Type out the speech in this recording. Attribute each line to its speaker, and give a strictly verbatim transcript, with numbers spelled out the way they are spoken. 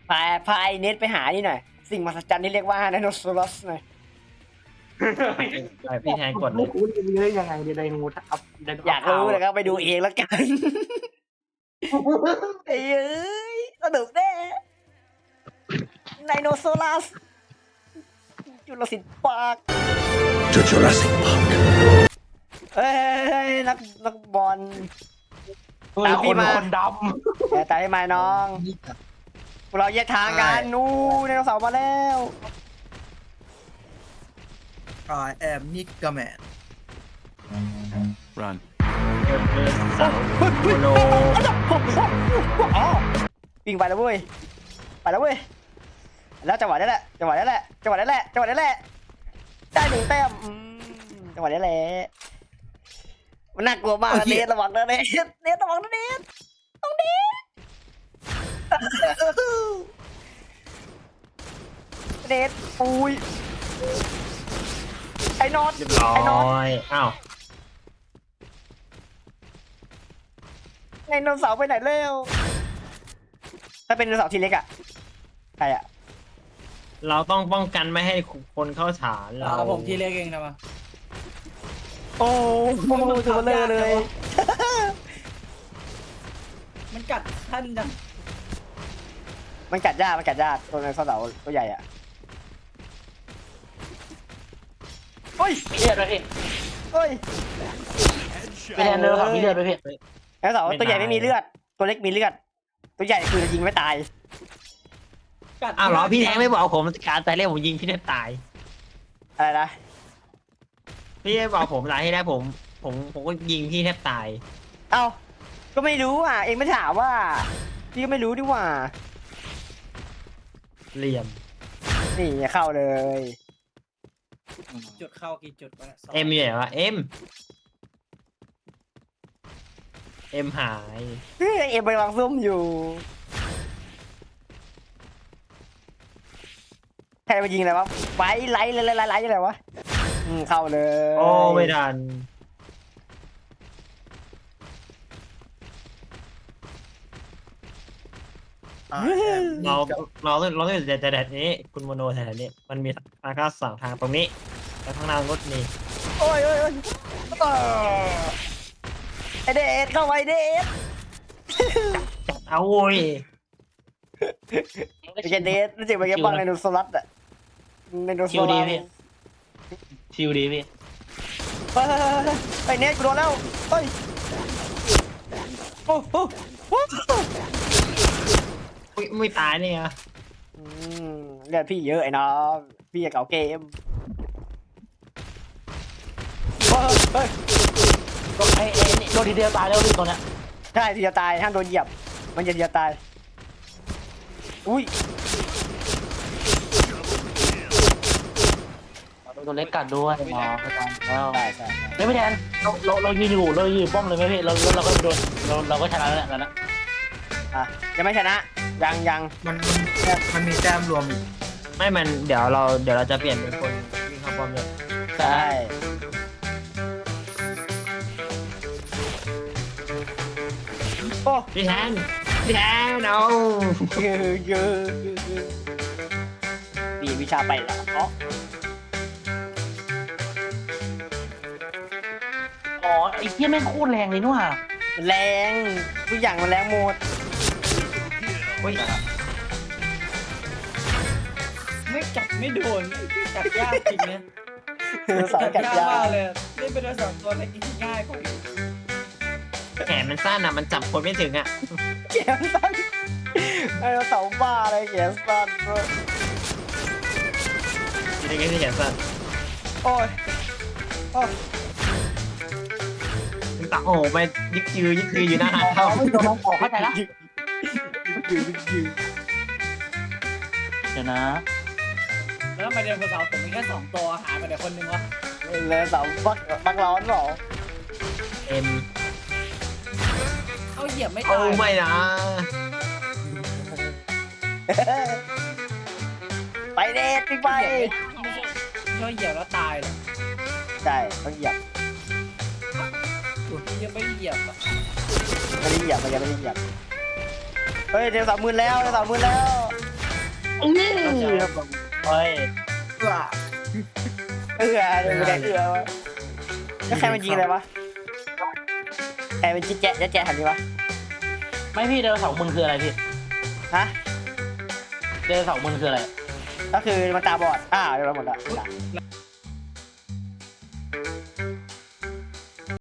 Speaker 1: พาพาไอเน็ตไปหานี่หน่อยสิ่งมหัศจรรย์ที่เรียกว่าไดโนเสาร์หน่อย
Speaker 2: ไปพี่แทนกดเลย
Speaker 3: คุณจะมีได้ยังไงในไดโนทับไดโน
Speaker 1: อยากรู้เลยครับไปดูเองแล้วกันไอ้เอ้ยสนุกแน่ไดโนเสาร์จุลศิลป์ปาร์ค
Speaker 4: to Jurassic Park.
Speaker 1: เอ้ยนักนักบอล
Speaker 3: ตามพี่มาคนด
Speaker 1: แต่ตายมาน้องพวกเราแยกทางกันนู่นไดโนเสาร์มาแล้ว
Speaker 4: I am Nigga Man. Run.
Speaker 2: เออเออสาวโมโน
Speaker 1: อ๋อวิ่งไปแล้วเว้ยไปแล้วเว้ยแล้วจังหวะนี้แหละจังหวะนี้แหละจังหวะนี้แหละจังหวะนี้แหละได้หนึ่งแต้มอืมจังหวะนี้แหละมันน่ากลัวมากนะเนทระวังนะเนทเนทระวังนะเนทต้องเนทเนทอุ้ยไอ้นอต
Speaker 2: เรียบร้อ
Speaker 1: ไอ้นอต
Speaker 2: ยอ้าว
Speaker 1: ไดโนเสาร์ไปไหนเร็วถ้าเป็นไดโนเสาร์ทีเล็กอะใครอะ
Speaker 2: เราต้องป้องกันไม่ให้คนเข้าฐาน
Speaker 5: เอา
Speaker 2: เรา
Speaker 5: ผมทีเล็กเองทำไม
Speaker 1: โอ้โหตัวเบลอเลย
Speaker 5: มันกัดท่านจัง
Speaker 1: มันกัดยากมันกัดยากตัวไดโนเสาร์ตัวใหญ่อะโอ้ย
Speaker 3: ำมีเลือดไหมพี่
Speaker 1: โอ้ย
Speaker 3: พี่แทนเดินครับมีเลือดไหมพี่
Speaker 1: ไดโนเสาร์ตัวใหญ่ไม่มีเลือดตัวเล็กมีเลือดตัวใหญ่คือยิงไม่ตาย
Speaker 5: กัด
Speaker 2: อ้าวเหรอพี่แทนไม่บอกผมการตายแรกผมยิงพี่แทนตาย
Speaker 1: อะไรนะ
Speaker 2: พี่ไม่บอกผมตายที่แรกผมผมผมก็ยิงพี่แทบตาย
Speaker 1: เอ้าก็ไม่รู้อ่ะเองไม่ถามว่าพี่ก็ไม่รู้ดีว่า
Speaker 2: เหลี่ยม
Speaker 1: นี่เข้าเลย
Speaker 5: จุดเข้ากี่จุดวะนี่ยสง
Speaker 2: เอ็มอยู่ไหนวะเอ็มเอ็มหาย
Speaker 1: เฮ้ยเอ็มไปวางซุ่มอยู่ใครมายิงอะไรวะไฟไลท์ไลท์ไลท์ไลท์อะไรวะอืมเข้าเลย
Speaker 2: โอ้ไม่ทัน
Speaker 4: I am
Speaker 2: เรา
Speaker 4: Nigga.
Speaker 2: เราต้องเราต้องอยู่แต่แต่นี้คุณโมโนแถวนี้มันมีทางเข้าสองทางตรงนี้แล้วข้างหน้ารถนี่
Speaker 1: โอ้ยโอ้ยโอ้ยเออไอเดชเข้าไปเดช
Speaker 2: จัดเอาโว้ย
Speaker 1: ไอเดชรู้สึกเป็นไงบ้างในนูโซลัสอะในนูโซ
Speaker 3: ชิว
Speaker 1: ลั
Speaker 3: ดี
Speaker 1: ส
Speaker 3: พี่ชิวดีพี่
Speaker 1: เฮ้ยไอเนทกูโดนแล้วเฮ้ยโอ้โหโอ้โห
Speaker 2: อุ๊ยไม่ตายนี่ไง
Speaker 1: อืมเลือดพี่เยอะไอ้น้องพี่จะเก่าเกมเฮ้ยเฮ้ย
Speaker 3: ไอ้ไอ้นี่โดนทีเดียวตายแล้วพี่ตัวเนี้ย
Speaker 1: ใช่ทีจะตายห้ามโดนเหยียบมันจะทีจะตายอุ้ย
Speaker 3: ตัวเล็กกัดด้วยหมอประจำแล้ว
Speaker 1: ใช่ใช่
Speaker 3: เฮ้ยพี่แทนเราเราเรายืนอยู่เรายืนป้อมเลยไหมพี่เราเราก็โดนเราเราก็ชนะแล้วแล้วนะ
Speaker 1: อ่ะยังไม่ชนะยังยัง
Speaker 4: มันมันมีแต้มรวมอีก
Speaker 2: ไม่มันเดี๋ยวเราเดี๋ยวเราจะเปลี่ยนเป็นคนวิ่งเข้าป้อมเลย
Speaker 1: ใช่โอ้
Speaker 2: พี่แทนพี่แทนเอา
Speaker 1: เยอะเยอะดีวิชาไปเหรออ๋อ
Speaker 3: อ๋อไอ้เหี้ยแม่งโคตรแรงเลยนู่นว่ะ
Speaker 1: แรงทุกอย่างมันแรงหมด
Speaker 2: อุ้ย
Speaker 5: ไม่กัดไม่โดนกัดยากจริงเนี่ย
Speaker 1: สายกัดยาม
Speaker 5: ากเลยเล่นเป็นตัวสองตัวเล็กง่ายกว่าอีก
Speaker 2: แขนมันสั้นอ่ะมันจับคนไม่ถึงอ่ะ
Speaker 1: เขียนสั้นไอ้เสาบ้าอะไรเขียนสั้นด้วย
Speaker 2: ยังไงที่แขนสั้น
Speaker 1: โอ้ยโอ้ย
Speaker 2: ถึงตักโอ้โหไปยิกยือยิกยืออยู่หน้าหาด
Speaker 3: เอา
Speaker 2: เท่า
Speaker 3: ไม่โดนน้องออกเข้าใจละ
Speaker 1: ยืนยืน
Speaker 3: เดี๋ยวนะ
Speaker 5: แล้วทำไมเดินกับสาวผมมีแค่สองตัวหายไปเดี๋ยวคนนึงวะ
Speaker 1: เลยเสาบักบักร้อนเหรอ
Speaker 2: เอ็ม
Speaker 5: เอาเหยียบไม่
Speaker 2: โอ้
Speaker 5: ตาย
Speaker 2: ไม่นะ
Speaker 1: ไปเดทไปไป
Speaker 5: เหยียบไม่ไม่ใช่ไม่ใช่เหยียบแล้วตายหรอก
Speaker 1: ใช่ต้องเหยียบ
Speaker 5: ยังไม่ได้เหยียบอ่ะ
Speaker 1: ไม่ได้เหยียบมันยังไม่ได้เหยียบเฮ้ยเดี๋ยวสามหมื่นแล้วเดี๋ยวสามหมื่นแล้ว
Speaker 3: นี่ครับผมโอ้ย
Speaker 4: ว้า
Speaker 1: เออเดี๋ยวแดงเอือวะแล้วใครมันยิงอะไรวะใครมันจิ๊แจ๊ะแจ๊ะแจ๊ะทำนี้วะ
Speaker 3: ไม่พี่เดินเสาร์มึงคืออะไรพี่
Speaker 1: ฮะ
Speaker 3: เดินเสาร์มึงคืออะไร
Speaker 1: ก็คือมันตาบอดอ้าวเดี๋ยวเราหมดละ